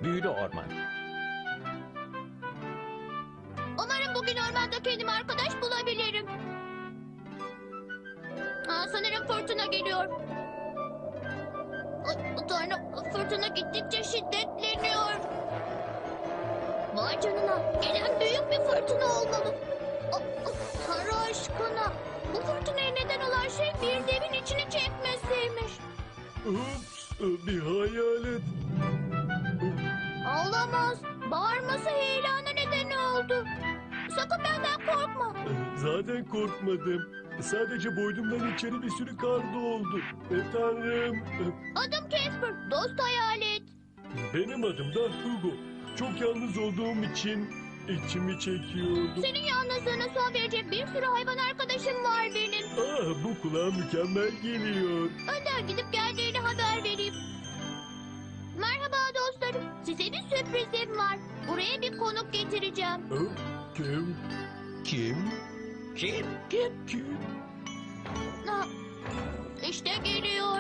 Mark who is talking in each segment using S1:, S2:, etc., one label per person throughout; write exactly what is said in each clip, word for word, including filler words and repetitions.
S1: Büyülü orman.
S2: Umarım bugün ormanda kendime arkadaş bulabilirim. Aa, sanırım fırtına geliyor. Ay, Tanrım, fırtına gittikçe şiddetleniyor. Vay canına, gelen büyük bir fırtına olmalı. Aa, aa, Tanrı aşkına, bu fırtınaya neden olan şey bir devin içini çekmesiymiş.
S3: Ups, bir hayalet.
S2: Olamaz, bağırması heyelana neden oldu. Sakın benden korkma.
S3: Zaten korkmadım. Sadece boynumdan içeri bir sürü kar doldu. E, Tanrım.
S2: Adım Casper, dost hayalet.
S3: Benim adım da Hugo. Çok yalnız olduğum için içimi çekiyordu.
S2: Senin yalnızlığına son verecek bir sürü hayvan arkadaşım var benim.
S3: Ah, bu kulağa mükemmel geliyor.
S2: Önden gidip geldiğini haber vereyim. Merhaba dostlarım. Size bir sürprizim var. Buraya bir konuk getireceğim.
S3: Ah, kim?
S1: Kim?
S4: Kim?
S3: Kim? Kim?
S2: Ha, işte geliyor.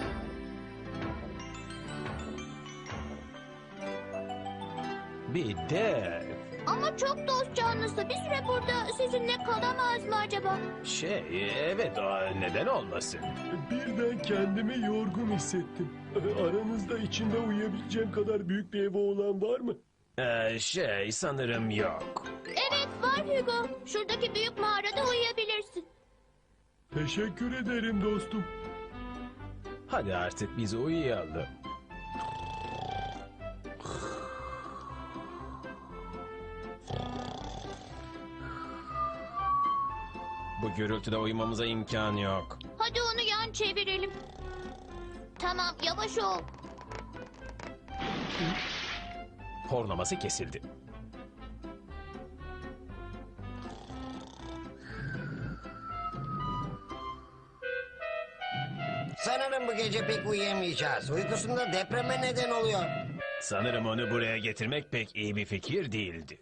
S1: Bir dev.
S2: Ama çok dost canlısı. Bir süre burada sizinle kalamaz mı acaba?
S1: Şey, evet, o neden olmasın?
S3: Birden kendimi yorgun hissettim. E, Aranızda içinde uyuyabileceğim kadar büyük bir evi olan var mı?
S1: Ee, şey, sanırım yok.
S2: Evet var Hugo. Şuradaki büyük mağarada uyuyabilirsin.
S3: Teşekkür ederim dostum.
S1: Hadi artık biz uyuyalım. Bu gürültüde uyumamıza imkan yok.
S2: Hadi onu yan çevirelim. Tamam yavaş ol.
S1: Horlaması kesildi.
S4: Sanırım bu gece pek uyuyamayacağız. Uykusunda depreme neden oluyor.
S1: Sanırım onu buraya getirmek pek iyi bir fikir değildi.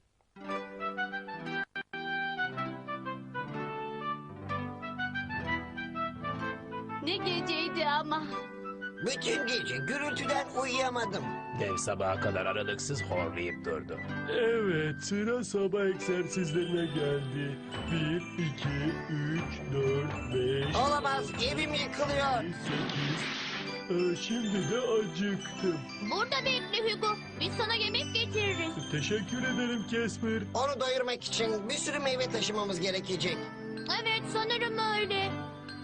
S2: Ne geceydi ama.
S4: Bütün gece gürültüden uyuyamadım.
S1: Dev sabaha kadar aralıksız horlayıp durdu.
S3: Evet, sıra sabah egzersizlerine geldi. Bir, iki, üç, dört, beş,
S4: Olamaz, evim yıkılıyor.
S3: sekiz. Ee, şimdi de acıktım.
S2: Burada bekle Hugo. Biz sana yemek getiririz.
S3: Teşekkür ederim Casper.
S4: Onu doyurmak için bir sürü meyve taşımamız gerekecek.
S2: Evet sanırım öyle.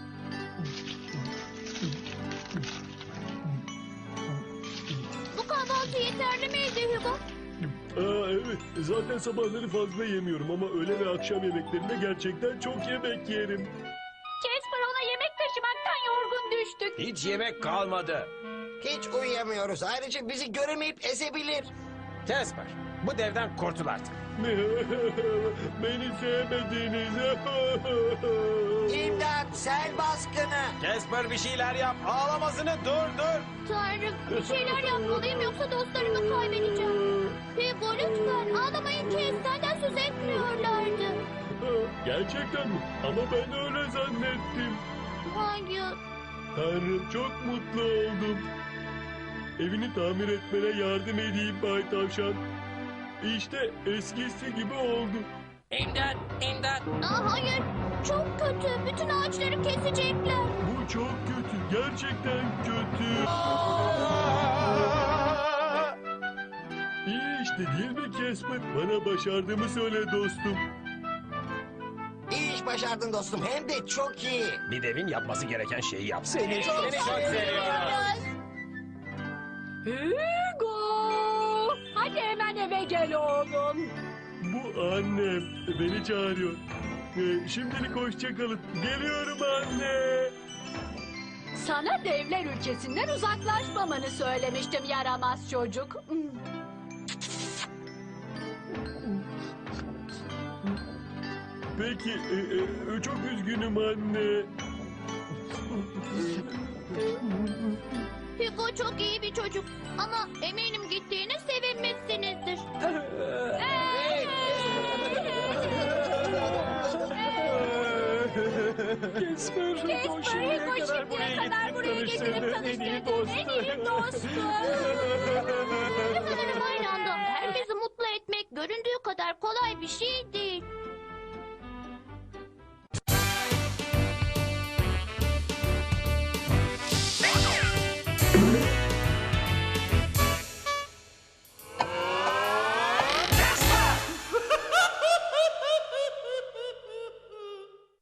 S2: Bu kahvaltı yeterli miydi Hugo?
S3: Aa, evet, zaten sabahları fazla yemiyorum ama öğle ve akşam yemeklerinde gerçekten çok yemek yerim.
S2: Casper ona yemek taşımaktan yorgun düştük.
S1: Hiç yemek kalmadı.
S4: Hiç uyuyamıyoruz. Ayrıca bizi göremeyip ezebilir.
S1: Casper, bu devden kurtul artık.
S3: Beni sevmediniz.
S4: İmdat, sel baskını.
S1: Casper bir şeyler yap. Ağlamasını durdur.
S2: Tanrım bir şeyler yapmalıyım yoksa dostlarımı kaybedeceğim. Hugo lütfen ağlamayın kes senden söz etmiyorlardı.
S3: Gerçekten mi? Ama ben öyle zannettim.
S2: Hayır.
S3: Tanrım çok mutlu oldum. Evini tamir etmene yardım edeyim Bay Tavşan. İşte eskisi gibi oldu.
S4: İmdat, imdat.
S2: Aa, hayır çok kötü bütün ağaçları kesecekler.
S3: Bu çok kötü. Gerçekten kötü. İyi işte değil mi Casper? Bana başardığımı söyle dostum.
S4: İyi iş başardın dostum. Hem de çok iyi.
S1: Bir devin yapması gereken şeyi yapsın.
S4: Seni çok seviyorum.
S5: Hugo! Hadi hemen eve gel oğlum.
S3: Bu annem beni çağırıyor. Ee, şimdilik hoşça kalın. Geliyorum anne.
S5: Sana devler ülkesinden uzaklaşmamanı söylemiştim yaramaz çocuk. Hmm.
S3: Peki e, e, çok üzgünüm anne.
S2: Hugo çok iyi bir çocuk ama eminim gittiğine sevinmişsinizdir.
S6: Casper, Rico şimdiye
S5: Rico
S6: kadar
S5: şimdiye
S6: buraya
S5: kadar buraya
S6: getirip
S5: getirip
S6: tanıştırdığın en iyi
S5: tanıştırdığın en iyi
S6: dostu.
S5: dostu.
S2: Sanırım aynı anda herkesi mutlu etmek göründüğü kadar kolay bir şey değil.